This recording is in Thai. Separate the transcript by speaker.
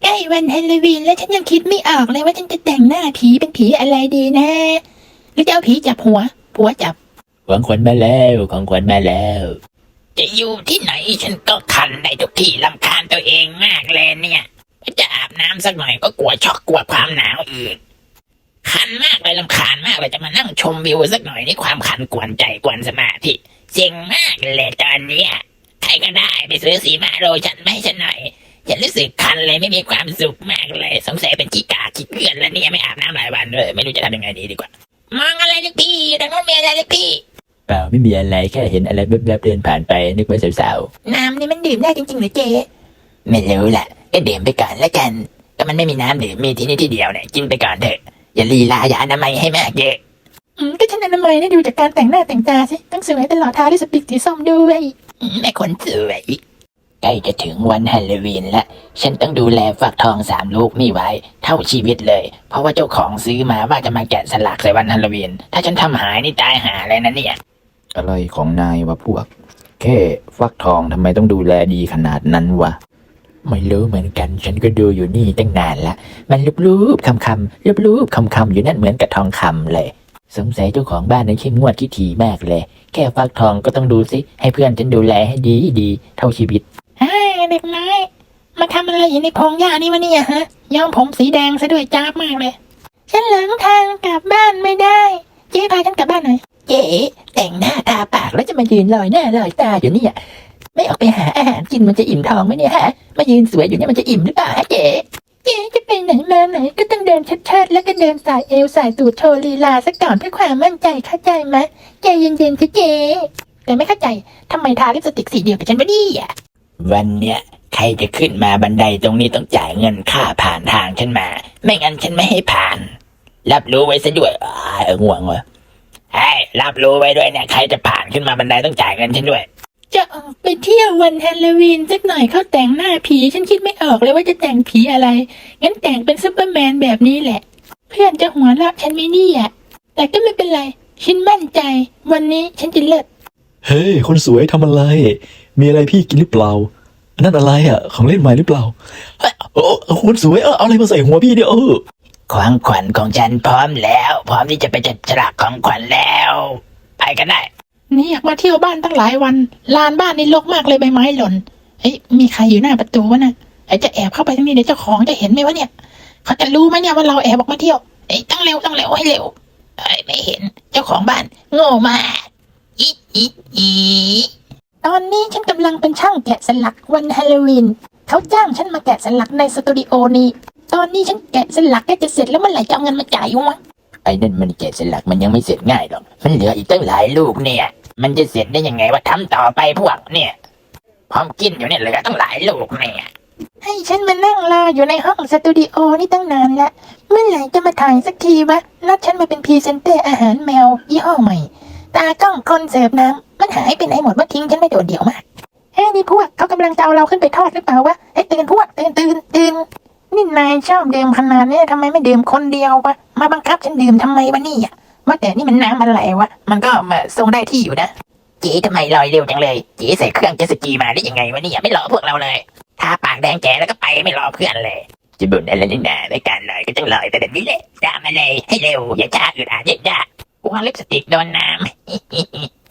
Speaker 1: ใกล้วันฮาโลวีนแล้วฉันยังคิดไม่ออกเลยว่าฉันจะแต่งหน้าผีเป็นผีอะไรดีนะหรือจะเอาผีจับหัวผัวจับ
Speaker 2: ของขวัญมาแล้วของขวัญมาแล้ว
Speaker 3: จะอยู่ที่ไหนฉันก็คันในทุกที่รำคาญตัวเองมากเลยเนี่ยจะอาบน้ำสักหน่อยก็กลัวช็อกกลัวความหนาวอีกคันมากเลยรำคาญมากเลยจะมานั่งชมวิวสักหน่อยนี่ความคันกวนใจกวนสมาธิเซ็งมากเลยตอนนี้ใครก็ได้ไปซื้อสีมาโรฉันไม่ให้ฉันหน่อยฉันรู้สึกคันเลยไม่มีความสุขมากเลยสงสัยเป็นขี้กาขี้เกลื่อนแล้วเนี่ยไม่อาบน้ำหลายวันเลยไม่รู้จะทำยังไงดีกว่ามองอะไรลูกพี่ดังนั้นมีอะไรลูกพี่
Speaker 2: เปล่าไม่มีอะไรแค่เห็นอะไรแวบๆเดินผ่านไปนึกว่าสาว
Speaker 1: น้ำนี่มันดื่มได้จริงๆหรือเจ๊
Speaker 3: ไม่รู้แหละก็ดื่มไปก่อนแล้วกันก็มันไม่มีน้ำดื่มมีที่นี่ที่เดียวเนี่ยกินไปก่อนเถอะอย่าลีลาอย่าอนามัยให้มากเยอะ
Speaker 1: ก็ฉันอนามัยนี่ดูจากการแต่งหน้าแต่งตาสิต้องสวยตลอดทางด้วยสปิกสีส้มด้วย
Speaker 3: แม่คนสวยใกล้จะถึงวันฮาโลวีนแล้วฉันต้องดูแลฟักทอง3 ลูกนี่ไว้เท่าชีวิตเลยเพราะว่าเจ้าของซื้อมาว่าจะมาแกะสลักใส่วันฮาโลวีนถ้าฉันทำหายนี่ตายหาเลยนะเนี่ย
Speaker 2: อะไรของนายวะพวกแค่ฟักทองทำไมต้องดูแลดีขนาดนั้นวะไม่รู้เหมือนกันฉันก็ดูอยู่นี่ตั้งนานละมันรูปๆคำๆรูปๆคำๆอยู่นั่นเหมือนกับทองคำเลยสงสัยเจ้าของบ้านนั้นเข้มงวดขี้ถี่มากเลยแค่ฟักทองก็ต้องดูสิให้เพื่อนฉันดูแลให้ดีเท่าชีวิต
Speaker 1: เด็กน้อยมาทำอะไรอยู่ในพงหญ้านี่วะเนี่ยฮะย้อมผมสีแดงซะด้วยจ้าบมากเลยฉันหลงทางกลับบ้านไม่ได้เจ๊พาฉันกลับบ้านหน่อย
Speaker 3: เจ๊แต่งหน้าทาปากแล้วจะมายืนลอยหน้าลอยตาอยู่เนี่ยไม่ออกไปหาอาหารกินมันจะอิ่มท้องไหมเนี่ยฮะมายืนสวยอยู่เนี่ยมันจะอิ่มหรือเปล่าฮะเจ๊
Speaker 1: จะไปไหนมาไหนก็ต้องเดินชัดๆแล้วก็เดินสายเอวสายตูดโชว์ลีลาสักก่อนเพื่อความมั่นใจเข้าใจไหมใจเย็นๆสิเจ๊แต่ไม่เข้าใจทำไมทาลิปสติกสีเดียวกับฉันวะเนี่ย
Speaker 3: วันเนี้ยใครจะขึ้นมาบันไดตรงนี้ต้องจ่ายเงินค่าผ่านทางฉันมาไม่งั้นฉันไม่ให้ผ่านรับรู้ไว้ซะด้วยง่วงวะรับรู้ไว้ด้วยเนี่ยใครจะผ่านขึ้นมาบันไดต้องจ่ายเงินฉันด้วย
Speaker 1: จะออกไปเที่ยววันฮาโลวีนสักหน่อยเขาแต่งหน้าผีฉันคิดไม่ออกเลยว่าจะแต่งผีอะไรงั้นแต่งเป็นซุปเปอร์แมนแบบนี้แหละเพื่อนจะหัวเราะฉันไม่นี่แต่ก็ไม่เป็นไรฉันมั่นใจวันนี้ฉันจะเลิศ
Speaker 4: เฮ้ยคนสวยทำอะไรมีอะไรพี่กินหรือเปล่านั่นอะไรของเล่นใหม่หรือเปล่าคนสวยเอาอะไรมาใส่หัวพี่เนี่ย
Speaker 3: ของขวัญของฉันพร้อมแล้วพร้อมที่จะไปจัดฉลากของขวัญแล้วไปกันได้
Speaker 1: นี่อยากมาเที่ยวบ้านตั้งหลายวันลานบ้านนี่รกมากเลยใบไม้หล่นมีใครอยู่หน้าประตูวะนะจะแอบเข้าไปทางนี้เดี๋ยวเจ้าของจะเห็นไหมวะเนี่ยเขาจะรู้ไหมเนี่ยว่าเราแอบออกมาเที่ยวต้องเร็วให้เร็ว
Speaker 3: ไม่เห็นเจ้าของบ้านโง่มากอี
Speaker 1: ตอนนี้ฉันกำลังเป็นช่างแกะสลักวันฮาโลวีนเขาจ้างฉันมาแกะสลักในสตูดิโอนี้ตอนนี้ฉันแกะสลักก็จะเสร็จแล้วเมื่อไหร่จะเอาเงินมาจ่ายวะ
Speaker 3: ไอ้นั่นมันแกะสลักมันยังไม่เสร็จง่ายหรอกมันเหลืออีกตั้งหลายลูกเนี่ยมันจะเสร็จได้ยังไงว่าทำต่อไปพวกเนี่ยพร้อมกินอยู่เนี่ยเหลือตั้งหลายลูกเนี่ย
Speaker 1: ให้ฉันมานั่งรออยู่ในห้องสตูดิโอนี่ตั้งนานแล้วเมื่อไหร่จะมาถ่ายสักทีวะนัดฉันมาเป็นพรีเซนเตอร์อาหารแมวยี่ห้อใหม่ตากล้องคนเสิร์ฟน้ำมันหายไปไหนหมดว่าทิ้งฉันไม่โดดเดี่ยวมากนี่พวกเขากำลังจะเอาเราขึ้นไปทอดหรือเปล่าวะตื่นพวกตื่นนี่นายชอบดื่มขนาดนี้ทำไมไม่ดื่มคนเดียววะมาบังคับฉันดื่มทำไมวะนี่ว่าแต่นี่มันน้ำอะไรวะมันก็มาทรงได้ที่อยู่นะ
Speaker 3: เจ๊ทำไมลอยเร็วจังเลยเจ๊ใส่เครื่องเจ็ตสกีมาได้ยังไงวะเนี่ยไม่รอพวกเราเลยทาปากแดงแจ๋แล้วก็ไปไม่รอเพื่อนเลยจะบ่นอะไรนี่นาในการลอยก็ต้องลอยแต่เดี๋ยวนี้แหละตามมาเลยให้เร็วอย่าช้าอึดอัดเย็นจ้ากลัวลิปสติกโดนน้ำ